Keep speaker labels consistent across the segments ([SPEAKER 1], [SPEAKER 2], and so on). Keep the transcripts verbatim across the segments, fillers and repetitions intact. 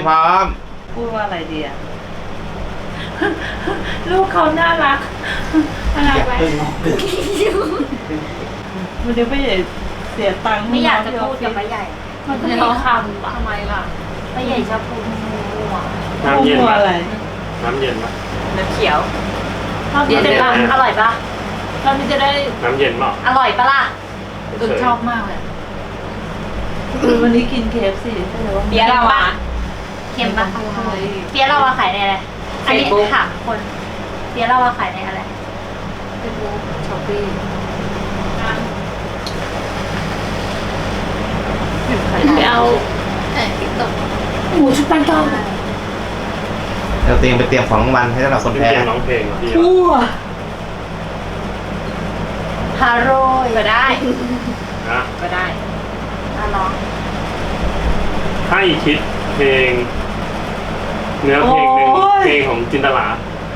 [SPEAKER 1] พร้อม
[SPEAKER 2] พูดว่าอะไรดีอะลูกเขาน่ารักน่ารักไหมมันจะไม่เสียตังค์
[SPEAKER 3] ไม่อยากจะพูดกับป้าใหญ่
[SPEAKER 2] มันก็มีคำทำไมล่ะ
[SPEAKER 3] ป้าใหญ่ชอบพูดมั่ว
[SPEAKER 4] น้ำเย็น
[SPEAKER 2] พูด
[SPEAKER 4] ปะ
[SPEAKER 2] อะไร
[SPEAKER 4] น้ำเย็นปะ
[SPEAKER 3] น้ำเขียว
[SPEAKER 2] เราจะได้
[SPEAKER 3] อร่อยปะ
[SPEAKER 2] เราจะได้
[SPEAKER 4] น้ำเย็นปะ
[SPEAKER 3] อร่อยปะล่ะ
[SPEAKER 2] เออชอบมากเลยคือวันนี้กินเคฟซีใช่ไหมว่า
[SPEAKER 3] เบียร์เราอะเค็มปะเบียร์เราอะขายในอะไรอันนี้ถามคนเบียร์เราอะขายในอะไร
[SPEAKER 2] เฟซบุ๊กช้อปปี้ไปเอาติ๊กต็อกหมูชุบแป้งทอด
[SPEAKER 1] เราเตรียมไปเตรียมของรางวัลให้สำหรับคน
[SPEAKER 4] เป็น
[SPEAKER 1] แพ้
[SPEAKER 4] เกมร้องเพลงเหรอพี่
[SPEAKER 2] ทั่ว
[SPEAKER 3] ฮาโรยก็ได้
[SPEAKER 4] นะ
[SPEAKER 3] ก็ได้อ่ะลอง
[SPEAKER 4] ให้คิดเพลง เนื้อเพลงหนึ่งเพลงของจินตลา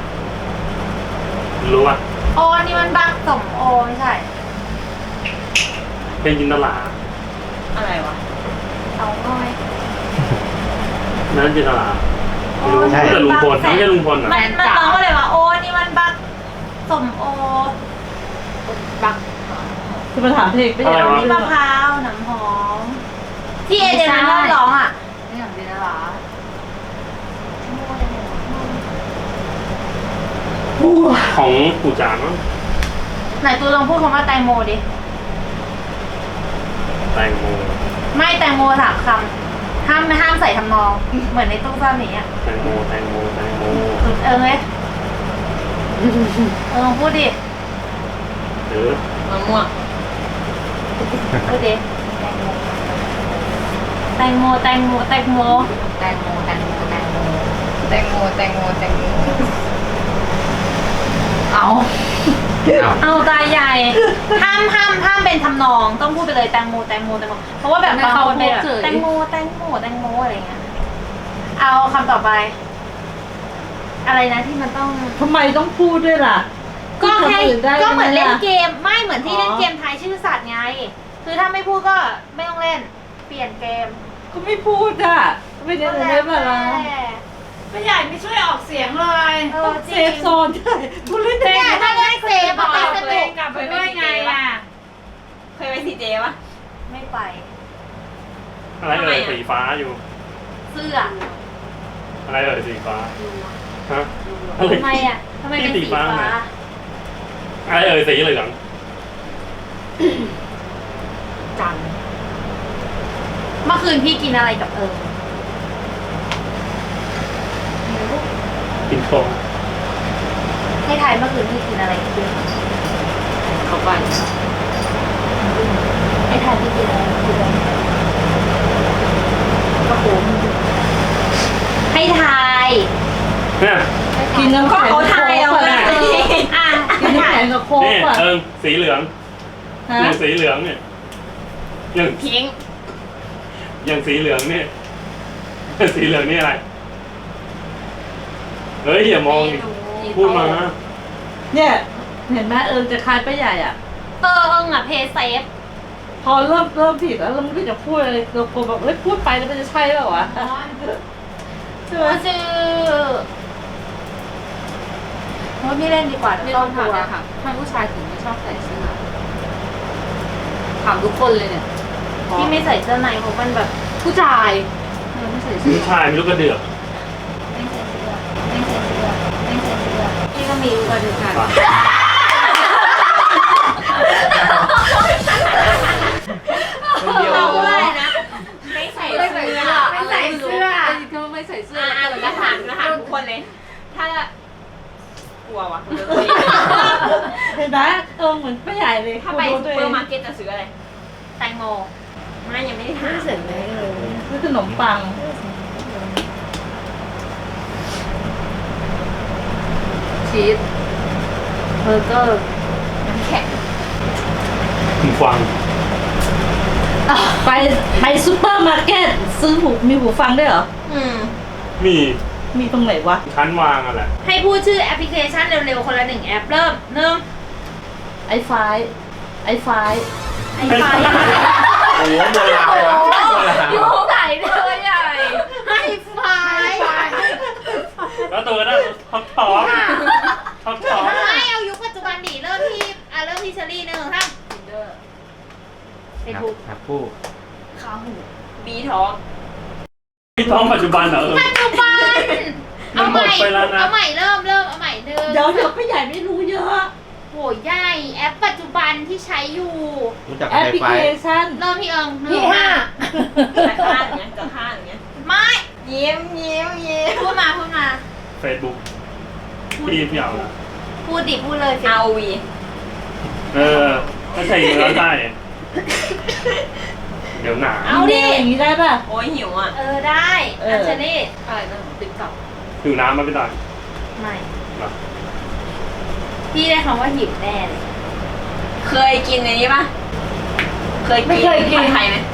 [SPEAKER 4] รู้ป่ะ
[SPEAKER 3] โอนี่มันบักสมโอไม่ใช่
[SPEAKER 4] เพลงจินตลา
[SPEAKER 3] อะไรวะเอาง่อย
[SPEAKER 4] นั้นจินตลาไม่รู้แต่ลุงพลไม่ใช่ลุงพลเหรอ
[SPEAKER 3] มันมันร้องว่าอะไรวะโอนี่มันบักสมโอบัก
[SPEAKER 2] จะมาถามเพลงไปยัง
[SPEAKER 3] มีมะพร้าวน้ำหอมที่เอเดนมันร้องอ่ะ
[SPEAKER 2] ไม่อยากเป็นอะไร
[SPEAKER 4] ของปู่จานมั้ง
[SPEAKER 3] ไหนตูลองพูดคำว่าแตงโมดิ
[SPEAKER 4] แตงโม
[SPEAKER 3] ไม่แตงโมสามคำห้ามห้ามใส่ทำนอง เหมือนในตู้ซ่อนนี้อ่ะ
[SPEAKER 4] แตงโมแตงโมแตงโม
[SPEAKER 3] เออไงเออลองพูดดิ
[SPEAKER 4] หรือ
[SPEAKER 2] มะม่วง
[SPEAKER 3] พูดดิแตงโมแตงโมแตงโม
[SPEAKER 2] แตงโมแตงโมแตงโมแตงโมแตงโมแตงโมเอา
[SPEAKER 1] เอา
[SPEAKER 3] เอาตาใหญ่ห้ามห้ามห้ามเป็นทำนองต้องพูดไปเลยแตงโมแตงโมแตงโมเพราะว่าแบบบางคนเป็นแบบแตงโมแตงโมแตงโมอะไรเงี้ยเอาคำต่อไป อะไรนะที่มันต้อง
[SPEAKER 2] ทำไมต้องพูดด้วยล่ะ
[SPEAKER 3] ก็แค่ก็เหมือนเล่นเก
[SPEAKER 2] ม
[SPEAKER 3] มไม่เหมือนที่เล่นเกมทายชื่อสัตว์ไง คือถ้าไม่พูดก็ไม่ต้องเล่น เปลี่ยนเกม
[SPEAKER 2] ก็ไม่พูดอ่ะไม่ได้เลยมาละ
[SPEAKER 5] ไม่ใหญ่ไม่ช่วยออกเสียงเลย
[SPEAKER 3] เออจ
[SPEAKER 2] เซ
[SPEAKER 3] ริง
[SPEAKER 2] ฟโซนใช่พูดเล่น
[SPEAKER 3] เนี่ยถ้าได้เซฟ
[SPEAKER 5] บ
[SPEAKER 3] อะ
[SPEAKER 5] อก
[SPEAKER 3] ไปส
[SPEAKER 5] เล
[SPEAKER 3] นุ
[SPEAKER 5] ย
[SPEAKER 3] ก
[SPEAKER 5] กลับไปด้วยไงอ่ะ
[SPEAKER 3] เคยไปซีเจปะไม่ไป
[SPEAKER 4] อะไรเอ่ยสีฟ้าอยู่
[SPEAKER 3] เสื้อ
[SPEAKER 4] อะไรเอ่ยสีฟ้าฮะอะไร
[SPEAKER 3] ทำไมอ่ะทำไมเป็นสีฟ้า
[SPEAKER 4] ไหนอะไรเอ่ยสีเหลือง
[SPEAKER 3] จังเมื่อคืนพี่กินอะไรกับเอิญ
[SPEAKER 4] กินโคง
[SPEAKER 3] ให้ทายเมื่อคืนพี่กินอะไรกับเอิญ
[SPEAKER 2] เข้าไป
[SPEAKER 3] ให้ทายพี่กินอะไรกับเอิญกระโปรงให้ทาย
[SPEAKER 4] เนี่ย
[SPEAKER 2] กินน้ำแข็ง
[SPEAKER 3] เขาทายเอา
[SPEAKER 2] ไป
[SPEAKER 3] เลยอ่ะ
[SPEAKER 2] กินน้ำแข็งกับโค้ก
[SPEAKER 4] นี่
[SPEAKER 2] ป่ะ
[SPEAKER 4] เอิงสีเหลือง
[SPEAKER 2] ฮะ
[SPEAKER 4] อย่างสีเหลืองเนี่ยอย่าง
[SPEAKER 3] พิง
[SPEAKER 4] อย่างสีเหลืองเนี่ย สีเหลืองนี่อะไรเฮ้ยอย่ามองดิพูดมา
[SPEAKER 2] เนี่ยเห็นไหมเอิญจะคลายไปใหญ่อ่ะ
[SPEAKER 3] เออเอิงอ่ะเพย์เซฟ
[SPEAKER 2] พอเริ่มเริ่มผิดแล้วเราไม่รู้จะพูดอะไรเรากลัวแบบเฮ้ยพูดไปแล้วมันจะใช่เปล่าวะใช่ไหม
[SPEAKER 3] ชื่อโอ้ยไม่เล่นดีกว่า
[SPEAKER 5] มี
[SPEAKER 3] เดี๋ยว
[SPEAKER 5] ค
[SPEAKER 3] ต้อง
[SPEAKER 5] น
[SPEAKER 3] ก
[SPEAKER 5] ถา
[SPEAKER 3] ลั
[SPEAKER 5] ม
[SPEAKER 3] ว
[SPEAKER 5] นะคะทำไมผู้ชายถึงไม่ชอบใส่เสื้อถามทุกคนเลยเนี่ย
[SPEAKER 3] ที่ไม่ใส่เสื้อในเพราะมันแบบ
[SPEAKER 5] ผู้ชายทำไมไม่ใส่เสื้อ
[SPEAKER 4] ผู้ชายไม่รู้กระเดือก
[SPEAKER 3] ไม่ใส่เสื้อไม่ใส่เสื้อไม่ใส่เสื้อพี่ก็มีกระดูกกัน
[SPEAKER 1] คนเดียว
[SPEAKER 3] เราว่าอะไรนะไม่ใส่เสื้อ
[SPEAKER 5] ไม่ใส่เสื้อก็ไม่ใส่เสื้อ
[SPEAKER 3] อ่า
[SPEAKER 5] แล้ว
[SPEAKER 3] เรา
[SPEAKER 5] ก็
[SPEAKER 3] จะถามจะถามทุกคนเลย ถ้ากลัววะ
[SPEAKER 2] เห็นไหมเออเหมือนไปใหญ่เลย
[SPEAKER 3] ถ้าไป
[SPEAKER 2] กลัว
[SPEAKER 3] ซู
[SPEAKER 2] ตัว
[SPEAKER 3] เป
[SPEAKER 2] เอ
[SPEAKER 3] อง ร์มาร์เก็ตจะซื้ออะไรแตงโมไม่ยังไม่ได้ถาม
[SPEAKER 2] เสร็จเลยซื้อขนมปัง
[SPEAKER 5] ชีส
[SPEAKER 2] เบอร์เกอร์
[SPEAKER 3] น้ำแข็ง
[SPEAKER 4] หูฟัง
[SPEAKER 2] ไปไปซูเปอร์มาร์เก็ตซื้อหูมีหูฟังด้วยเหรอ
[SPEAKER 3] อืม
[SPEAKER 4] มี
[SPEAKER 2] มีตรงไหนวะ
[SPEAKER 4] ชั้นวางอะไร
[SPEAKER 3] ให้พูดชื่อแอปพลิเคชันเร็วๆคนละหนึ่งแอปเริ่มหนึ่ง
[SPEAKER 2] ไอไฟไอไฟ
[SPEAKER 3] ไอไฟ
[SPEAKER 1] โอ้โหโบราณวะโบราณ
[SPEAKER 3] อยู่ไหนเลยใหญ่ไอไฟ
[SPEAKER 4] แล้วตัวก็ได้ท็อปท็อปท็อปท็อป
[SPEAKER 3] ไม่เอายุคปัจจุบันดิเริ่มที่อ่ะเริ่มที่เชอรี่หนึ่งท่าน
[SPEAKER 5] ทินเดอร์
[SPEAKER 3] เฟซบุ๊ก
[SPEAKER 1] ครับคู่
[SPEAKER 5] ขาหูบีท้อง
[SPEAKER 4] พี่ท้องปัจจุบันเหรอเออ
[SPEAKER 3] ปัจจุบัน
[SPEAKER 4] มัน
[SPEAKER 3] เอา
[SPEAKER 4] ห
[SPEAKER 3] ให
[SPEAKER 4] ม
[SPEAKER 3] ม่
[SPEAKER 4] ดไปแล้วนะ
[SPEAKER 3] เอาใหม่เริ่มเริ่มเอาใหม่หนึ่ง
[SPEAKER 2] เดี๋ยวเดี๋ยวพี่ใหญ่ไม่รู้เยอะ
[SPEAKER 3] โหใหญ่แอปปัจจุบันที่ใช้อยู่
[SPEAKER 1] รู้จัก
[SPEAKER 2] แอป
[SPEAKER 1] ไฟ
[SPEAKER 2] พลิ
[SPEAKER 1] ไฟ
[SPEAKER 2] เคชัน
[SPEAKER 3] เริ่มที่เอิงหนึ่ง
[SPEAKER 5] พี่ห้า
[SPEAKER 2] แต่ห้าอย่างเงี้ยกับห้าอย่างเงี้ย
[SPEAKER 3] ไม่ยิ้มยิ้มยิ้มพูดมาพูดมา
[SPEAKER 4] เฟซบุ๊กพี่พี่เอา
[SPEAKER 3] พูดดิพูดเลยสิ
[SPEAKER 5] เอาวี
[SPEAKER 4] เออถ้าใช่เนื้อได้เดี๋ยวหนา
[SPEAKER 3] เอาดิ
[SPEAKER 2] อย่างนี้ได้ป่ะ
[SPEAKER 5] โอ้ยหิวอ่ะ
[SPEAKER 3] เออได้
[SPEAKER 2] เออ
[SPEAKER 3] อัญเชลี่
[SPEAKER 5] อะไรนะติ๊กต็อก
[SPEAKER 4] หิวน้ำมาไม่ได้
[SPEAKER 3] ไม่
[SPEAKER 4] หรอ
[SPEAKER 3] พี่ได้คำว่าหิวแน่เลย
[SPEAKER 5] เคยกินในนี้ปะเคยกิน
[SPEAKER 2] ไม่เคยกิน
[SPEAKER 5] ผัดไทยไหม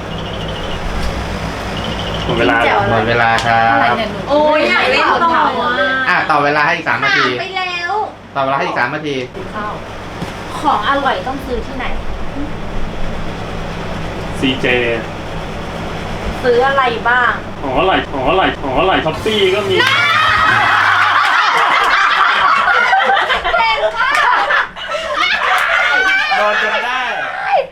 [SPEAKER 4] หมดเวลา
[SPEAKER 3] แจ๋ว
[SPEAKER 1] หมดเวลาครับ
[SPEAKER 5] โอ้ยอยากเล่นต่ออ่ะ
[SPEAKER 1] อ่ะต่อเวลาให้อีกสามนา
[SPEAKER 3] ถาม
[SPEAKER 1] ที
[SPEAKER 3] ไปแล้ว
[SPEAKER 1] ต่อเวลาให้อีกสามนาที
[SPEAKER 5] ข้าว
[SPEAKER 3] ของอร่อยต้องซื้อที่ไหน
[SPEAKER 4] ซีเจ
[SPEAKER 3] ซื้ออะไรบ้าง
[SPEAKER 4] ของอร่อยของอร่อยของอร่อยท็อปปี้ก็มี
[SPEAKER 1] โดนจนได้
[SPEAKER 4] ไอ้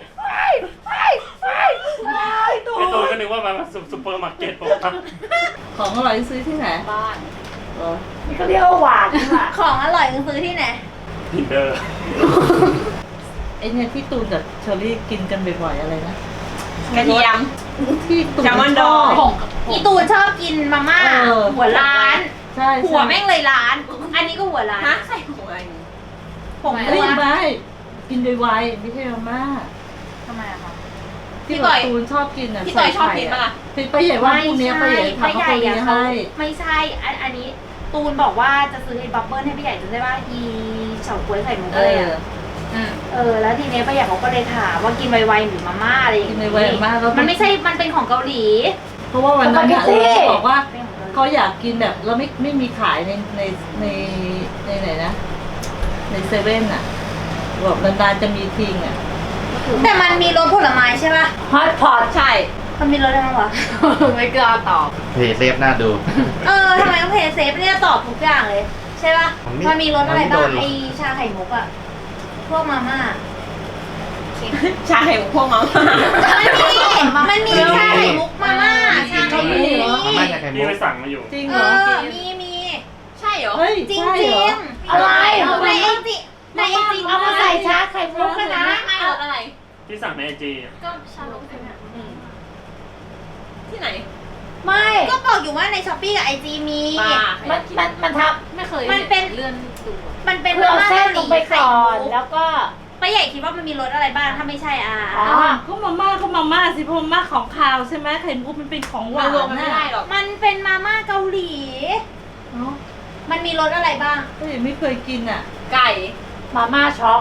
[SPEAKER 4] ตัวก็นึกว่ามันซุปเปอร์มาร์เก็ตผมครับ
[SPEAKER 2] ของอร่อยซื้อที่ไหน
[SPEAKER 5] บ้าน
[SPEAKER 2] เออนี่ก็เรียกว่าหวานค่ะ
[SPEAKER 3] ของอร่อยต้องซื้อที่ไหน
[SPEAKER 4] ทินเดอร์
[SPEAKER 2] ไอเนี่ยที่ตูนกับเชอรี่กินกันบ่อยๆอะไรนะ
[SPEAKER 5] กระเทียม
[SPEAKER 2] ที่ตูน
[SPEAKER 5] แซลมอนดอง
[SPEAKER 2] ชบ
[SPEAKER 3] อีตูนชอบกินมาม่า
[SPEAKER 2] เออ
[SPEAKER 3] หัวร้าน
[SPEAKER 2] ใช่
[SPEAKER 3] หัวแม่งเลยร้าน อันนี้ก็หัวร้าน
[SPEAKER 5] ฮะใส่หัวอะไร
[SPEAKER 3] ผง
[SPEAKER 2] เฮ้
[SPEAKER 3] ตั
[SPEAKER 2] ยว ไม่กินไวๆไม่ใช่มาม่า
[SPEAKER 3] ทำไมอะคะ
[SPEAKER 2] ที่
[SPEAKER 3] พี่ต่อย
[SPEAKER 2] ตูนชอบกินอ่ะ
[SPEAKER 5] พี่ต่อยชอบกินปะล่ะ
[SPEAKER 2] เป็นป้าใหญ่ว่าพรุ่งนี้ป้าใหญ่ทำ
[SPEAKER 3] ไม่
[SPEAKER 2] ข้าว
[SPEAKER 3] ใหญ่
[SPEAKER 2] โพด
[SPEAKER 3] อะ
[SPEAKER 2] นี้
[SPEAKER 3] เขา
[SPEAKER 2] ให้
[SPEAKER 3] ไม่ใช่อันอันนี้ ตูนบอกว่าจะซื้อไอ้บับเบิ้ลให้พี่ใหญ่จำได้ว่าอีเฉาก๊วยไข่มุก
[SPEAKER 2] เอ
[SPEAKER 3] อะไร
[SPEAKER 2] อ
[SPEAKER 3] อะ
[SPEAKER 5] อืม
[SPEAKER 3] เออแล้วทีเนี้ยป้าใหญ่เขาก็เลยถามว่ากินไวๆหรือมาม่าอะไรอย่าง
[SPEAKER 2] กิน
[SPEAKER 3] งี้
[SPEAKER 2] ไวๆมากแล้ว
[SPEAKER 3] มันไม่ใช่มันเป็นของเกาหลี
[SPEAKER 2] เพราะว่าวันนั้นอะเออเขาบอกว่า
[SPEAKER 3] เป็นของเกาหลี
[SPEAKER 2] เขาอยากกินแบบเราไม่ไม่มีขายในในในในไหนนะ ในเซเว่นอ่ะแบบนานๆจะมีทิ้งอ่ะ
[SPEAKER 3] แต่มันมีรสผลไม้ใช่ป่ะ
[SPEAKER 2] ฮอตพอต
[SPEAKER 5] ใช่
[SPEAKER 3] มันมีรสอะไรบ้างวะ
[SPEAKER 5] ไม่กล้าตอบ
[SPEAKER 1] เพจเซฟน่าดู
[SPEAKER 3] เออทำไมต้องเพย์เซฟเนี่ยตอบทุกอย่างเลย ใช่ป่ะ
[SPEAKER 1] มันไม่
[SPEAKER 3] มันมีรสอะไรบ้าง
[SPEAKER 1] มันไม่โดนหรอก
[SPEAKER 3] ไอชาไข่มุกอะพวกมาม่า
[SPEAKER 5] ใช่พวกมัง
[SPEAKER 3] มันมีมันมีชาไข่มุกมาม่าชาไข่มุก
[SPEAKER 1] มาม่าจากไข่มุ
[SPEAKER 4] นี่
[SPEAKER 1] ก
[SPEAKER 4] ไปสั่งมาอยู่
[SPEAKER 2] จริง
[SPEAKER 3] เอ
[SPEAKER 2] เหรอ
[SPEAKER 3] อมีมี
[SPEAKER 5] ใช่เหรอ
[SPEAKER 2] เฮ้ย
[SPEAKER 3] จริง
[SPEAKER 2] ใช่
[SPEAKER 3] จริ
[SPEAKER 2] เหรอ
[SPEAKER 3] งในไอจีในไอจีเอามาใส่ชาไข่มุกกันนะ
[SPEAKER 5] ไม่รถอะไร
[SPEAKER 4] ที่สั่งในไอจี
[SPEAKER 5] ก็ชาลงเนี่ยที่ไหน
[SPEAKER 3] ไม่ก็บอกอยู่ว่าในช้อปปี้กับไอจีมี
[SPEAKER 5] บ้า
[SPEAKER 6] มันมันมันทับ
[SPEAKER 5] ไม่เคย
[SPEAKER 3] มันเป็น
[SPEAKER 5] เลื่อนดู
[SPEAKER 3] มันเป็น
[SPEAKER 6] คือเอา
[SPEAKER 3] มาม่า
[SPEAKER 6] เส้นลงไปก่อน
[SPEAKER 3] แล้
[SPEAKER 6] แล้ว วก็
[SPEAKER 3] ป้าใหญ่คิดว่ามันมีรสอะไรบ้างถ้าไม่ใช่อ่ะ
[SPEAKER 6] อ๋อ
[SPEAKER 2] ก็มาม่าก็มาม่าสิเพราะมาม่าของคาวใช่ไหมไข่มุกมันเป็นของหวาน
[SPEAKER 5] รวมกันไม่ได้หรอก
[SPEAKER 3] มันเป็นมาม่าเกาหลี
[SPEAKER 2] เนาะ
[SPEAKER 3] มันมีรสอะไรบ้าง
[SPEAKER 2] ก็ยังไม่เคยกินอ่ะ
[SPEAKER 5] ไก่
[SPEAKER 6] มาม่าช็อก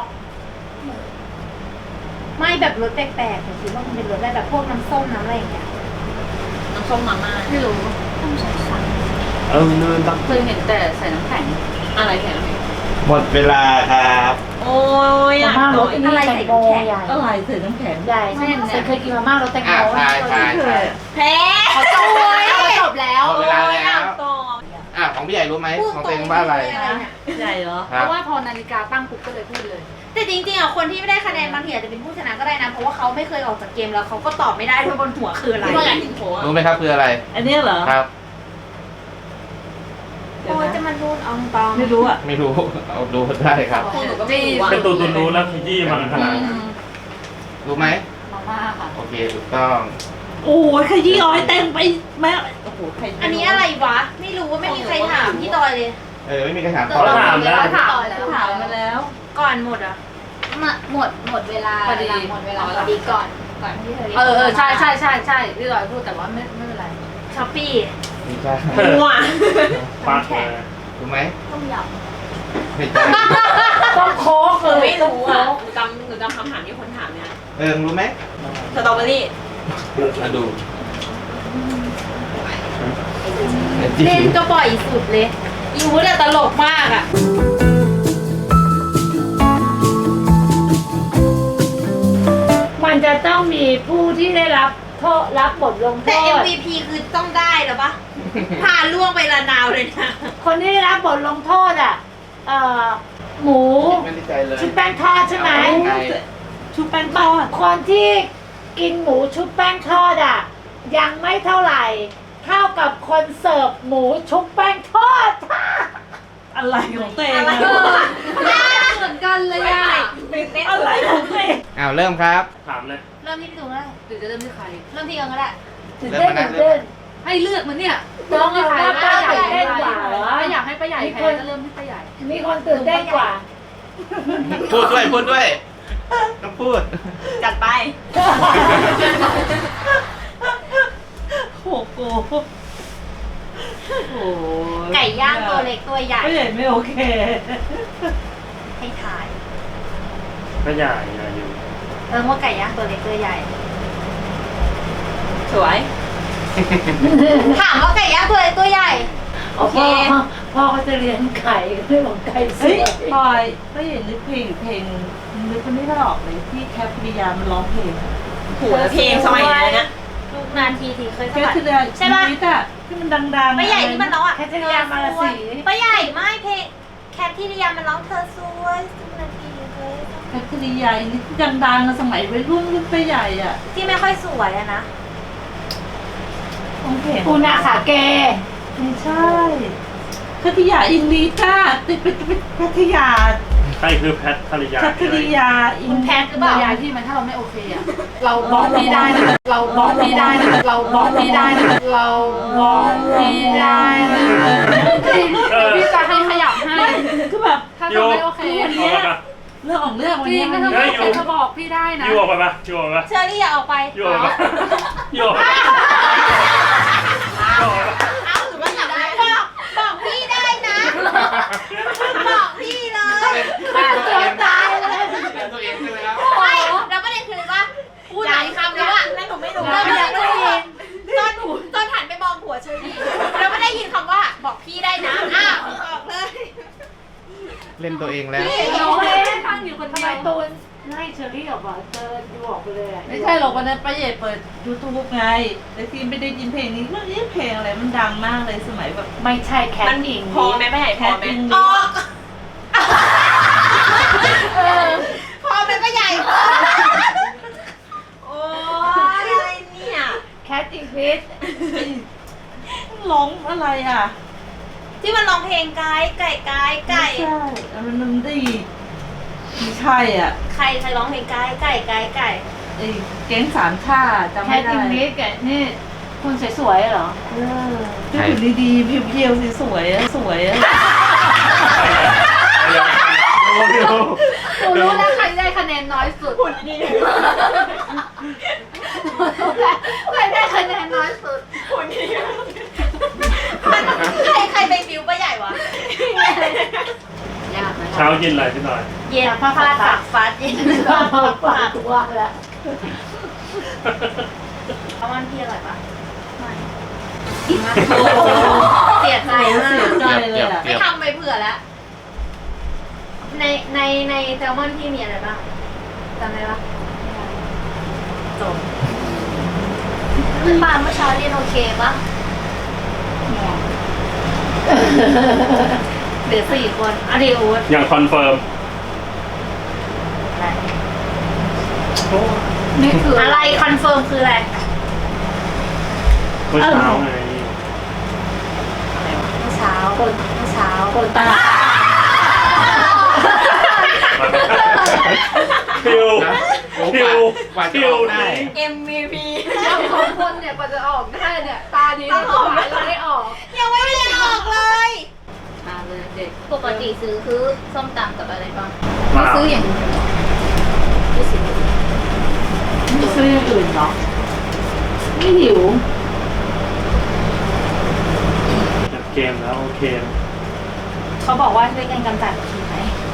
[SPEAKER 3] ไม่แบบรสแปลกๆผมคิดว่ามันเป็นรสอะไรแบบพวกน้ำส้มน้ำอะไรอย่างเงี้ย
[SPEAKER 5] น้ำส้มมาม่าไม่รู้
[SPEAKER 3] ต้องใช้สั่ง
[SPEAKER 4] เออเนินตัก
[SPEAKER 5] เคยเห็นแต่ใส่น้ำแข็งอะไรแข็งน้ำแข็ง
[SPEAKER 1] หมดเวลาครับ
[SPEAKER 5] โอ้ย
[SPEAKER 6] มาม่ารสอันนี้แตงโมใหญ่
[SPEAKER 2] อะไรใส่น้ำแข็ง
[SPEAKER 6] ใหญ่ใช่ใส่เคยกินมาม่ารสแตงโม
[SPEAKER 1] อ่ะทายทาย
[SPEAKER 2] ไม่เค
[SPEAKER 1] ทาย ย
[SPEAKER 2] อะ
[SPEAKER 3] แพ้
[SPEAKER 5] เขาจบแล้วเขาจบแล้ว
[SPEAKER 1] หมดเวลาแล้ว
[SPEAKER 5] ต่อ
[SPEAKER 1] อ่ะของพี่ใหญ่รู้ไหมของตัวเองว่าอะไร
[SPEAKER 2] ใหญ่เหรอ
[SPEAKER 1] ค
[SPEAKER 5] เพ
[SPEAKER 1] รับ
[SPEAKER 5] ราะว่าพอนาฬิกาตั้งปุ๊บก็เลยพูดเลย
[SPEAKER 3] แต่จริงๆอ่ะคนที่ไม่ได้คะแนนบางทีอาจจะเป็นผู้ชนะก็ได้นะ เพราะว่าเขาไม่เคยออกจากเกมแล้วเขาก็ตอบไม่ได้ด้วยบนหัวคืออะไร
[SPEAKER 5] ที่เราอยากกินโผล่
[SPEAKER 1] รู้ไหมครับคืออะไร
[SPEAKER 2] อันเนี้ยเหรอ
[SPEAKER 1] ครับ
[SPEAKER 2] เดี๋ยว
[SPEAKER 3] โอ้ยจะ
[SPEAKER 2] นะ
[SPEAKER 3] มารูนอองตอง
[SPEAKER 2] ไม่รู้อ่ะ
[SPEAKER 1] ไม่รู้ เอาดูได้ครับ
[SPEAKER 5] หนูก็ไม่รู้
[SPEAKER 4] เป็นตัวตุนรู้แล้วขยี้มาขนาดนั้น
[SPEAKER 1] รู้ไหม
[SPEAKER 5] มาม่าค่ะ
[SPEAKER 1] โอเคถูกต้อง
[SPEAKER 2] โอ้ยขยี้อ้อยเต็มไปแม่โอ้โหใครจ
[SPEAKER 3] อันนี้อะไรวะ ไม่รู้ว่าไม่มีใครถามพี่ตอยเลย
[SPEAKER 1] เออไม่มีใครถาม
[SPEAKER 4] เขาถามแล้ว
[SPEAKER 5] ถามแล้ว
[SPEAKER 2] ถามมาแล้ว
[SPEAKER 3] ก่อนหมดอ่ะ
[SPEAKER 6] หมดหมดหมดเวลา
[SPEAKER 5] พอดี
[SPEAKER 6] หมดเวลา
[SPEAKER 5] อ๋อ
[SPEAKER 6] พอดีก่อนก่อนที่เธอ
[SPEAKER 5] เออเออใช่ใช่ใช่ใช่พี่ลอยพูดแต่ว่าไม่ไม่เป็นไร
[SPEAKER 3] ช้อปปี้
[SPEAKER 1] ไม่ใช่
[SPEAKER 5] มั่ว
[SPEAKER 4] ปักเลย
[SPEAKER 1] รู้ไหม
[SPEAKER 6] ต้มย
[SPEAKER 1] ไม่ใช่
[SPEAKER 6] ำต้องโค้ก
[SPEAKER 5] คือ
[SPEAKER 6] เลย
[SPEAKER 5] ไม่
[SPEAKER 6] ต้อง
[SPEAKER 5] รู้
[SPEAKER 6] โค้
[SPEAKER 5] อ่ะ
[SPEAKER 6] ก
[SPEAKER 5] หนูจำหนูจำคำถามที่คนถามเนี่ย
[SPEAKER 1] เออรู้ไหม
[SPEAKER 5] สตรอเบอรี่
[SPEAKER 1] มาดู
[SPEAKER 3] เล่นก็บ่อยสุดเลยอีวูดอะตลกมากอ่ะ
[SPEAKER 6] มันจะต้องมีผู้ที่ได้รับโทษรับบทลงโท
[SPEAKER 3] แต่
[SPEAKER 6] ษ
[SPEAKER 3] เอ็ม วี พี คือต้องได้หรอปะ
[SPEAKER 6] อ
[SPEAKER 3] พาล่วงไปละนาวเลยนะ
[SPEAKER 6] คนที่ได้รับบทลงโทษอ่ะ เอ่อ หมู
[SPEAKER 1] ไม่ได้ใจเลย
[SPEAKER 6] ชุบแป้งทอดใช่ไหม
[SPEAKER 1] ไก่
[SPEAKER 2] ชุบแป้งทอด
[SPEAKER 6] คนที่กินหมูชุบแป้งทอดอ่ะ ยังไม่เท่าไหร่ เท่ากับคนเสิร์ฟหมูชุบแป้งทอด
[SPEAKER 2] อะไรของตัวเอง
[SPEAKER 3] อะไร
[SPEAKER 2] อะ
[SPEAKER 5] เหมือนกันเลยอ่ะ
[SPEAKER 2] อะไรของตัวเอง
[SPEAKER 1] อ้าวเริ่มครับ
[SPEAKER 4] ถามเลย
[SPEAKER 3] เริ่มที่พี่ตูนก็ได้
[SPEAKER 5] หรือจะเริ่มที่ใคร
[SPEAKER 3] เริ่มที่เอิงก็ได้
[SPEAKER 6] ตื่นเต้นตื่นเต้น
[SPEAKER 5] ให้เลือกมันเนี่ย
[SPEAKER 6] น้องเอาว่าป้าตื่นเต้นกว่าเหรอ
[SPEAKER 5] ถ้าอยากให้ป้าใหญ่แพ้ก็เริ่มที่ป้าใหญ่
[SPEAKER 6] มีคนตื่นเต้นกว่า
[SPEAKER 1] พูดด้วยพูดด้วยต้องพูด
[SPEAKER 3] จัดไป
[SPEAKER 2] โอ้โหโอ้โห
[SPEAKER 3] ไก่ย่างตัวเล็กตัวใหญ่
[SPEAKER 2] ไม่เห็นไม่โอเค
[SPEAKER 3] ให้ถ่าย
[SPEAKER 4] ก็อย่าอย่าอยู่
[SPEAKER 3] เอิงว่าไก่ย่างตัวเล็กตัวใหญ่
[SPEAKER 2] สวย
[SPEAKER 3] ถามว่าไก่ย่างตัวเล็กตัวใหญ่ โอเค
[SPEAKER 6] พ่อพ่อเขาจะเลี้ยงไก่เรื่องของไก่ส
[SPEAKER 2] เฮ้ย
[SPEAKER 6] วย
[SPEAKER 2] พลอยไม่เห็นนึกเพลงเพลงนึกไม่ออกเลยที่แคปริยามันร้องเพลง
[SPEAKER 3] หัวเพลงสมัยนั้นนะลูกนานทีทีเคยส
[SPEAKER 2] แค
[SPEAKER 3] มั
[SPEAKER 2] ป
[SPEAKER 3] ย
[SPEAKER 2] ริยา
[SPEAKER 3] ใช่ปะ
[SPEAKER 2] ชีวิตอะที่มันดังๆ
[SPEAKER 3] ป้าใหญ่ที่มันร้องอ่ะ
[SPEAKER 6] แคทริยามาลาสี
[SPEAKER 3] ป้าใหญ่ไม่เพลงแคทที่ริยามันร้องเธอสวยทุกนาทีเลย
[SPEAKER 2] แคปริยานี่ที่ดังๆอะสมัยวัยรุ่นรุ่นไปใหญ่อะ
[SPEAKER 3] ที่ไม่ค่อยสวยอะนะ
[SPEAKER 2] ร้องเพลง
[SPEAKER 6] ปูนาขาเก
[SPEAKER 2] ไม่ใช่พัทยาอินลีจ้าติดไปไปพัทยา
[SPEAKER 4] ใครคือแพทภรรยา
[SPEAKER 2] พัทยาอิน
[SPEAKER 6] คุณแพทหรือเปล่า
[SPEAKER 5] ยายที่มันถ้าเราไม่โอเคอ่ะ เราบอกพี่ได้นะ เราบอกพี่ได้นะ เราบอกพี่ได้นะ เราบอกพี่ได้นะจริงเดี๋ยวพี่จะให้ขยับให้
[SPEAKER 2] คือแบบ
[SPEAKER 5] ถ้าเราไม่โอเค
[SPEAKER 2] วัน
[SPEAKER 4] ออก
[SPEAKER 2] เนี้ย
[SPEAKER 4] ไปปะ
[SPEAKER 2] เรื่องของเรื่องวัน
[SPEAKER 5] จริ
[SPEAKER 2] เนี้
[SPEAKER 5] ง
[SPEAKER 2] ย
[SPEAKER 5] ถ้าเราไม่โอเคจะบอกพี่ได้นะ
[SPEAKER 4] ยูออกไปปะยูออกไปปะ
[SPEAKER 3] เชอรี่อย่าออกไป
[SPEAKER 4] ยูออกไปปะยูออกไปปะยูออกไปปะ
[SPEAKER 3] เอาหรือว่าอยากได้บอกบอกพี่ได้นะ บอกพี่เลย
[SPEAKER 1] ฆ่าตัวตายเลยตัวเองใช่ไหมครับ
[SPEAKER 3] ไม่แล้วประเด็นคือว่าพูดหลายคำแล้วอะแล้วหนูไม่รู้แล้วยังไม่ได้ยินตอนหนูตอนหันไปมองหัวเชอรี่แล้วไม่ได้ยินคำว่าบอกพี่ได้นะอ้าวบอกเลย
[SPEAKER 1] เล่นตัวเองแล้ว
[SPEAKER 5] น้องเล่นฟังอยู่คน
[SPEAKER 6] ทำ
[SPEAKER 5] เดี
[SPEAKER 6] ไม
[SPEAKER 5] ยว
[SPEAKER 6] ตูนให้เชอรี่ออกมาเจอดูออกไปเลยอะ
[SPEAKER 2] ไม่ใช่หรอกวันนั้นป้าเย่เปิดยูทูบไงแต่ทีไม่ได้ยินเพลงนี้เรื่องนี้เพลงอะไรมันดังมากเลยสมัยแบบ
[SPEAKER 6] ไม่ใช่แคทอิง
[SPEAKER 3] พอไหมไม่ใหญ่พอไหม
[SPEAKER 2] แคทอิง
[SPEAKER 3] ออกพอไหมไม่ใหญ่พอโอ้ยอะไรเนี่ย
[SPEAKER 6] แคทอิงลิส
[SPEAKER 2] ร้องอะไรอ่ะ
[SPEAKER 3] ที่มันร้องเพลงไก่ไก่ไก่ไก่
[SPEAKER 2] ไม่ใช่มันมันได้ไม่ใช่อ่ะ
[SPEAKER 3] ใครใครร้องเพลงไก่ไก่ไก่ไก่
[SPEAKER 2] ไอ้แก๊งสามชาจำ
[SPEAKER 6] แค
[SPEAKER 2] ไม่
[SPEAKER 6] ท
[SPEAKER 2] ได้
[SPEAKER 6] อิงลิสแกนี่คุณสวยๆเหรอ
[SPEAKER 2] เออที่หุ่นดีๆเพียวๆสวยๆอะสวยอะ
[SPEAKER 4] ดูดู
[SPEAKER 5] หนูรู้แล้วใครได้คะแนนน้อยสุดหุ่นดีใครได้คะแนนน้อยสุด
[SPEAKER 3] ใครใครไปบิวป้าใหญ่วะ
[SPEAKER 5] ยากไหม
[SPEAKER 4] เช้าเย็นอะไรพี่หน่อย
[SPEAKER 3] เย็นฟาดปากฟาดเย็น
[SPEAKER 6] ก็ปากตัวแล้ว
[SPEAKER 3] เอาวันพี่อร่อยปะไม่เสียใจมาก
[SPEAKER 2] เสียใจเลยอ่ะ
[SPEAKER 3] ไม่ทำไปเผื่อแล้ว ในในในแซลมอนพี่มีอะไรบ้างจำได้ปะจบปาเมื่อเช้าเรียนโอเคปะเหลือสี่คนอะดีอูด
[SPEAKER 4] อย่างคอนเฟิร์มโอ้
[SPEAKER 5] นี่คือ
[SPEAKER 3] อะไรคอนเฟิร์มคืออะไร
[SPEAKER 4] เมื่อเช้าไง
[SPEAKER 3] เมื่อเช้าคนเมื่อเช้าคนตา
[SPEAKER 4] คิว
[SPEAKER 1] นะโอ้
[SPEAKER 4] คิ
[SPEAKER 1] กว่าว กว่าจะ
[SPEAKER 4] คิ
[SPEAKER 1] อ
[SPEAKER 4] ว
[SPEAKER 1] อกได้
[SPEAKER 3] เอ็มวีพี
[SPEAKER 5] เราสองคนเนี่ยกว่าจะออกได้เนี่ย ตาดีเราหายเราได้ออก
[SPEAKER 3] ยังไม่ได้ออกเลย
[SPEAKER 5] มาเลยเด็ก
[SPEAKER 6] ปกติซื้อคือส้มตำกับอะไรบ้าง
[SPEAKER 5] ไม่ซื้ออย่างอื่น
[SPEAKER 6] ไม่ซื้อ
[SPEAKER 2] ไม่ซื้ออย่างอื่นเหรอ
[SPEAKER 6] ไม่หิว
[SPEAKER 4] จัดเกมแล้วโอเค
[SPEAKER 3] เขาบอกว่าช่วยกันกำจัดผีไหม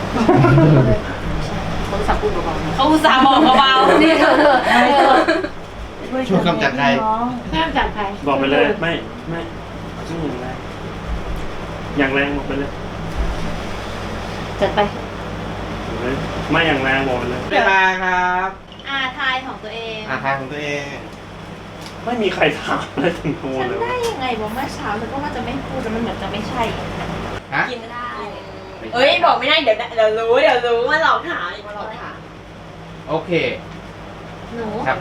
[SPEAKER 5] เขาสับปูเบาๆนะ
[SPEAKER 3] เขาอุตส่าห์บอกเบาๆ
[SPEAKER 5] นี่เธอเธอ
[SPEAKER 1] ช่วยกำจัดใคร
[SPEAKER 6] แม่จัดใคร
[SPEAKER 4] บอกไปเลยไม่ไม่ไม่อย่างแรงอย่างแรงบอกไปเลย
[SPEAKER 6] จัดไป
[SPEAKER 4] บอกเลยไม่อย่างแรงบอกไปเลย
[SPEAKER 1] เวลาครับ
[SPEAKER 3] อาทายของตัวเอง
[SPEAKER 1] อาทางของตัวเอง
[SPEAKER 3] อ
[SPEAKER 4] ไม่มีใครถามอะไรถึงกู
[SPEAKER 3] ฉัน
[SPEAKER 4] เลย
[SPEAKER 3] ได้ยังไงบอกเมื่อเช้าแล้วก็ว่าจะไม่พูดแต่มันเหมือนจะไม่ใช่
[SPEAKER 1] ฮะ
[SPEAKER 3] กินไม่ได้ เอ้ยบอกไม่ได้เดี๋ยวเดี๋ยวรู้เดี๋ยวรู้ว่าหลอกถามอีกมาหลอกถาม
[SPEAKER 1] โอเค
[SPEAKER 3] หนู
[SPEAKER 1] ครับ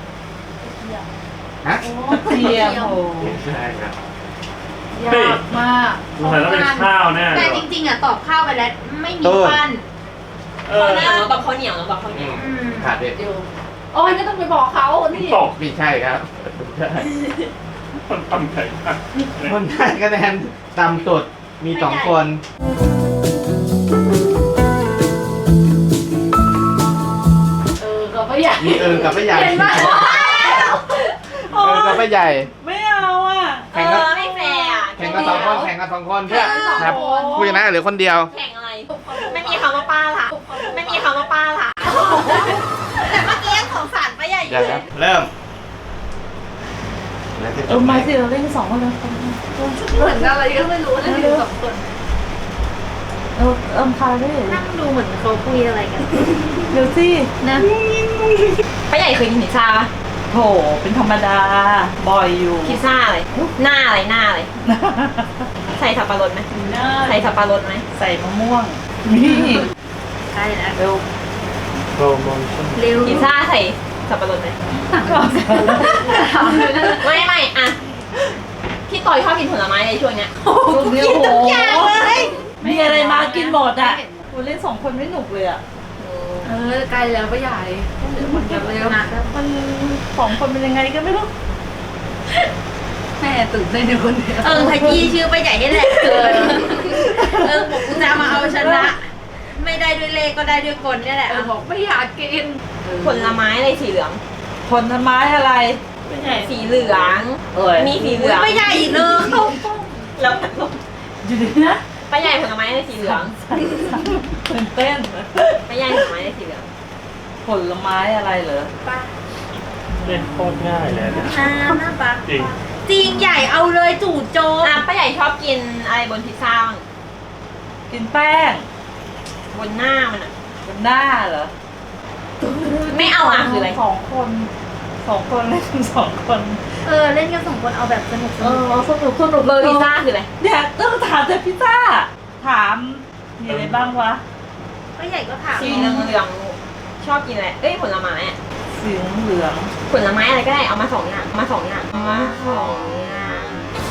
[SPEAKER 1] ฮะ
[SPEAKER 2] เทียมโอ้
[SPEAKER 4] ไม่ใช่ครับ
[SPEAKER 5] ยากมาก
[SPEAKER 4] สงสัยต้องเป็นข้าวแน่เล
[SPEAKER 3] แต่
[SPEAKER 4] ย
[SPEAKER 3] จริงๆอ่ะตอบข้าวไปแล้วไม่มีปั้น
[SPEAKER 4] เออ
[SPEAKER 3] ข้าวเหนียวตอบข้าวเหนียวตอบข้าวเหนี
[SPEAKER 1] อื
[SPEAKER 3] ยว
[SPEAKER 1] มขาดเด็ด
[SPEAKER 5] เดี๋ยวโอ้ยไม่ต้องไปบอกเขานี่
[SPEAKER 4] ตก
[SPEAKER 1] ไม่ใช่ครับใช่
[SPEAKER 4] คนทำไงอ่ะ
[SPEAKER 1] คนได้คะแนนต่ำสุดมีสองคน
[SPEAKER 5] เออก็ไม่อยาก
[SPEAKER 1] มีเอิงกับป้าใหญ่
[SPEAKER 5] เห็นไหม
[SPEAKER 1] เอิงกับป้าใหญ่
[SPEAKER 2] ไม่เอาอ่ะ
[SPEAKER 3] เออไม่แฟร์อ่ะ
[SPEAKER 1] แข่งกันสองคนแข่งกันสองคนเพื่อ
[SPEAKER 5] แข่งกันสองคน
[SPEAKER 1] ครับผู้ชนะเหลือคนเดียว
[SPEAKER 3] แข่งอะไร ไม่มีคำว่าป้าละไม่มีคำว่าป้าละแต่เมื่อกี้ยังสงสารป้าใหญ่อ
[SPEAKER 1] เดี๋ยว
[SPEAKER 3] ยู่
[SPEAKER 1] ครับเริ่มแล้วจะจ
[SPEAKER 2] เออบ
[SPEAKER 1] ไหม
[SPEAKER 2] มาสิเราเล่นสองคนเลย
[SPEAKER 5] เหมือนอะไรก็ไม่รู้นะอยู่สองคน
[SPEAKER 2] เออเอิมคาด้วย
[SPEAKER 3] นั่งดูเหมือนเขาคุยอะไรกัน
[SPEAKER 2] เดี๋ยวสิ
[SPEAKER 3] นะป้าใหญ่เคยกินพิซซ่าปะ
[SPEAKER 2] โถเป็นธรรมดาบ่อยอยู่
[SPEAKER 3] พิซซ่าอะไรหน้าอะไรหน้าอะไรใส่สับปะรดไหมใส่สับปะรดไหม
[SPEAKER 2] ใส่มะม่วงนี่
[SPEAKER 3] ใช่แล้ว
[SPEAKER 2] เร็ว
[SPEAKER 4] โปรโมชั่น
[SPEAKER 3] เร็วพิซซ่าใส่สับปะรดไหมไม่ไม่อะพี่ต่อยชอบกินผลไม้ในช่วงเนี้ย
[SPEAKER 2] ลูกเดียวโห
[SPEAKER 3] ทุกอย่างเลย
[SPEAKER 2] มีอะไรมากินหมดอ่ะคุณเล่นสองคนไม่หนุกเลยอ่ะ
[SPEAKER 5] เออใกล้แล้วก็ใหญ่เหลือคนเดียวเร็ว
[SPEAKER 2] มันสองคนเป็นยังไงก็ไม่รู้
[SPEAKER 5] แม่ตื่นเต้นอยู่คนเดียว
[SPEAKER 3] เออขยี้ชื่อไปใหญ่นี่แหละเออเออบอกกูจะมาเอาชนะ ไม่ได้ด้วยเลขก็ได้ด้วยกลเนี่ยแหละ
[SPEAKER 5] เออบอกไม่อยากกิน
[SPEAKER 3] ผลไม้อะไรสีเหลือง
[SPEAKER 2] ผลไม้อะไร
[SPEAKER 3] สีเหลือง
[SPEAKER 2] เอ้ย
[SPEAKER 3] มีสีเหลืองไม่ใหญ่เลยแล้วพัดลม
[SPEAKER 2] อยู่ดีนะ
[SPEAKER 3] ป้าใหญ่ผลไม้อะไรสีเหลือง
[SPEAKER 2] ตื่นเต้น
[SPEAKER 3] ป้าใหญ่ผลไม้อะไรสีเหลือง
[SPEAKER 2] ผลไม้อะไรเหรอ
[SPEAKER 3] ป้า
[SPEAKER 4] เล่นโคตรง่ายเลยนะ
[SPEAKER 3] อ่าหน้าป้า
[SPEAKER 4] จริง
[SPEAKER 3] จริงใหญ่เอาเลยจู่โจมอ่ะป้าใหญ่ชอบกินอะไรบนพิซซ่าบ้าง
[SPEAKER 2] กินแป้ง
[SPEAKER 3] บนหน้ามันอ่ะ
[SPEAKER 2] บนหน้าเหรอ
[SPEAKER 3] ไม่เอาอ่ะคืออะไร
[SPEAKER 2] สองคนสองคนเล่นสองคน
[SPEAKER 3] เออเล่นกันสองคนเอาแบบสนุกส
[SPEAKER 2] เอ
[SPEAKER 3] นุก
[SPEAKER 2] อสนุกสนุกเลย
[SPEAKER 3] พิซซ่าคืออะไร
[SPEAKER 2] เนี่ยต้องถามแต่พิซซ่า ถามมีอะไรบ้างวะ
[SPEAKER 3] ป้าใหญ่ก็ถามสีเหลืองเหลืองชอบกินอะไรเอ้ยผลไม้อ่ะ
[SPEAKER 2] สีเหลือง
[SPEAKER 3] ผลไม้อะไรก็ได้เอามาสองอย่างเอามาสองอย่างเอามาสองอย่าง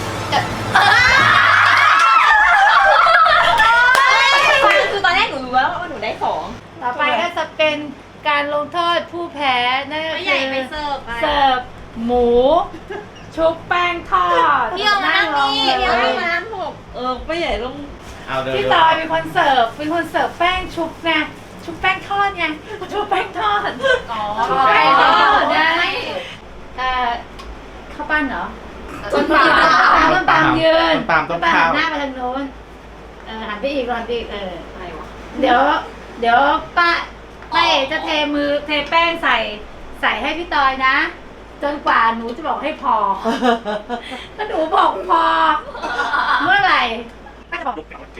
[SPEAKER 3] คือตอนแรกหนูรู้แล้วว่าหนูได้สอง
[SPEAKER 6] ต่อไปก็จะเป็นการลงโทษผู้แพ้นั่นก็
[SPEAKER 3] ป้า
[SPEAKER 6] คื
[SPEAKER 3] ใหญ่
[SPEAKER 6] อ
[SPEAKER 3] ไปเสิร์ฟไป
[SPEAKER 6] เสิร์ฟหมู ชุบแป้งทอด
[SPEAKER 3] พี่เอามานั่งนี่พี่เอามานั่งผม
[SPEAKER 2] เออไม่ใหญ่ลง
[SPEAKER 1] เอาเดี๋ยว
[SPEAKER 6] พี่ตอยเป็นคนเสิร์ฟเป็นคนเสิร์ฟแป้งชุบไงชุบแป้งทอดไงชุบแป้งทอด
[SPEAKER 5] อ๋อ
[SPEAKER 6] ชุบแป้งทอด
[SPEAKER 5] ได้
[SPEAKER 6] ได้เอ่อข้าวปั้นเหรอ
[SPEAKER 5] ต้นปา
[SPEAKER 6] ต้นปาล์มยืน
[SPEAKER 1] ต้นปาล์มต้น
[SPEAKER 6] ปา
[SPEAKER 1] ข้าว
[SPEAKER 6] ล์มหันหน้าไปทางโน้นเออหันไปอีกหันไปอีกเออ
[SPEAKER 3] อะไรวะ
[SPEAKER 6] เดี๋ยว เดี๋ยวป้าป้าเอกจะเทมือเทแป้งใส่ใส่ให้พี่ตอยนะ จนกว่าหนูจะบอกให้พอ ถ้าหนูบอกพอ เมื่อไหร่ป้าจะบอก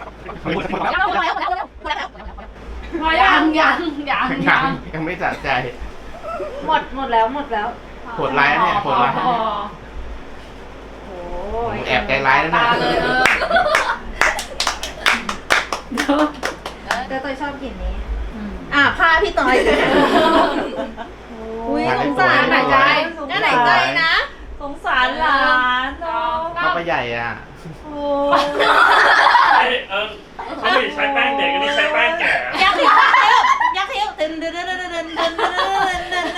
[SPEAKER 6] พอยั
[SPEAKER 5] ยัง งยังยัง
[SPEAKER 1] ยั
[SPEAKER 5] ยัง ง
[SPEAKER 1] ยังไม่สะใจ
[SPEAKER 6] หมดหมดแล้วหมดแล้ว
[SPEAKER 1] โหดร้ายนะเนี่ยโหดร้าย
[SPEAKER 5] พอ
[SPEAKER 6] โอ้
[SPEAKER 1] แอบใจร้ายนะ
[SPEAKER 5] ตา
[SPEAKER 1] เนี่ย
[SPEAKER 5] เลยเออ
[SPEAKER 6] เดี๋ยว
[SPEAKER 3] แต่ตอยชอบกินนี้อ่ะผ้าพี่ตอยอุ้ยสงสาร
[SPEAKER 1] หายใจ
[SPEAKER 3] น่าไหนใจนะ
[SPEAKER 2] สงสารหลานเนาะ
[SPEAKER 1] ป้าป้าใหญ่อ่ะ
[SPEAKER 2] โอ้
[SPEAKER 4] เอ้ยเออเขาไม่ได้ใช้แป้งเด็กอันนี้ใช้แป้งแก่
[SPEAKER 3] ยักษ์เขียวยักษ์เขียวตึนตึนตึนตึนตึนตึนตึน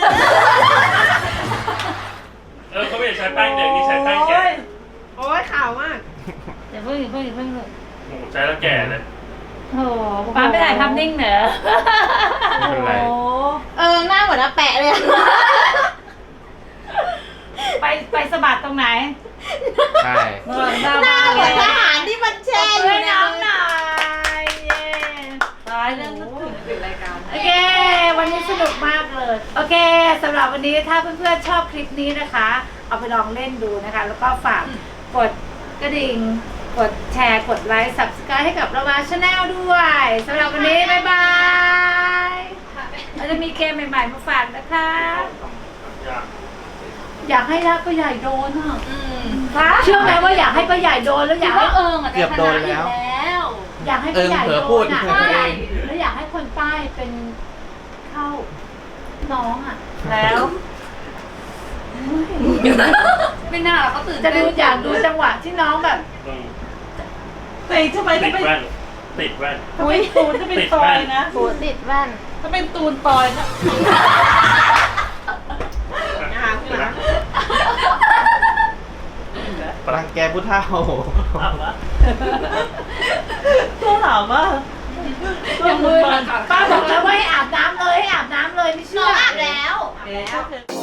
[SPEAKER 4] เออเขาไม่ได้ใช้แป้งเด็กนี่ใช้แป้งแก่
[SPEAKER 3] โอ้ยขาวมาก
[SPEAKER 6] เดี๋ยวเพิ่งเพิ่งเพิ่งเพิ่ง
[SPEAKER 4] โอ้โหใช้แล้วแก่เลย
[SPEAKER 6] โอ้โหป้าไม่ได้ทำนิ่งเหรอ
[SPEAKER 1] ไม่เป็นไร
[SPEAKER 2] โอ้
[SPEAKER 3] เออหน้าเหมือนอาแปะเลย
[SPEAKER 6] ไปไปสะบัดตรงไหน
[SPEAKER 1] ใช่
[SPEAKER 2] เออหน้า
[SPEAKER 3] หน้า
[SPEAKER 2] บ้าน
[SPEAKER 3] เหมือน
[SPEAKER 2] เล
[SPEAKER 3] ท
[SPEAKER 2] ย
[SPEAKER 3] หารที่มันแช่อ
[SPEAKER 6] ช่
[SPEAKER 3] ยู่
[SPEAKER 6] วย
[SPEAKER 3] ใน
[SPEAKER 6] น้ำหน่อยเย้
[SPEAKER 2] ตายแล้วนึกถึง
[SPEAKER 5] ปิดรายการ
[SPEAKER 6] โอเค วันนี้สนุกมากเลย โอเคสำหรับวันนี้ถ้าเพื่อนๆชอบคลิปนี้นะคะ เอาไปลองเล่นดูนะคะ แล้วก็ฝากกดกระดิ่ง กดแชร์ กดไลค์ ซับสไครบ์ ให้กับเรามาชาแนลด้วยสำหรับวันนี้ บ๊ายบายเราจะมีเกมใหม่ๆมาฝากนะคะ
[SPEAKER 4] อยาก
[SPEAKER 6] อยากให้รักป้าใหญ่โดนอ่ะ
[SPEAKER 3] อืม
[SPEAKER 6] เชื่อไหมว่าอยากให้ป้าใหญ่โดนแล้วอ
[SPEAKER 3] คิ
[SPEAKER 6] ยา
[SPEAKER 3] ด
[SPEAKER 6] กให้
[SPEAKER 3] ว่าเอิงอ่ะ
[SPEAKER 1] เกือบโดนแล้ว
[SPEAKER 3] แล้ว
[SPEAKER 6] อยากให้ป้าใหญ่
[SPEAKER 1] เออเผลอ
[SPEAKER 6] โด
[SPEAKER 1] พูด
[SPEAKER 6] นอ่ะ
[SPEAKER 1] เผลอเอง
[SPEAKER 6] แล้วอยากให้คนใต้เป็นเข้าน้องอ่ะ
[SPEAKER 2] แล้ว
[SPEAKER 3] ไม่น่าหรอกเขาตื่น
[SPEAKER 6] จะ
[SPEAKER 3] เต้
[SPEAKER 6] ดู
[SPEAKER 3] น
[SPEAKER 6] อยากดูจังหวะที่น้องแบบ
[SPEAKER 4] อืม
[SPEAKER 2] แต่ทำไม
[SPEAKER 4] ติ
[SPEAKER 2] ถ้า
[SPEAKER 4] ด
[SPEAKER 2] เป็น
[SPEAKER 4] แว่นติดแว่น
[SPEAKER 2] ถ้าเป็นตูนถ้าเป็นตอยนะ
[SPEAKER 3] หูติดแว่น
[SPEAKER 2] ถ้าเป็นตูนตอยนะ
[SPEAKER 1] รังแกผู้เฒ่า
[SPEAKER 2] ตัวถามว่า
[SPEAKER 6] อย่างมือป้าบอกแล้วว่าให้อาบน้ำเลยให้อาบน้ำเลยไม่เชื่
[SPEAKER 3] น้
[SPEAKER 6] อ
[SPEAKER 3] องอาบแล้ว
[SPEAKER 2] แล้ว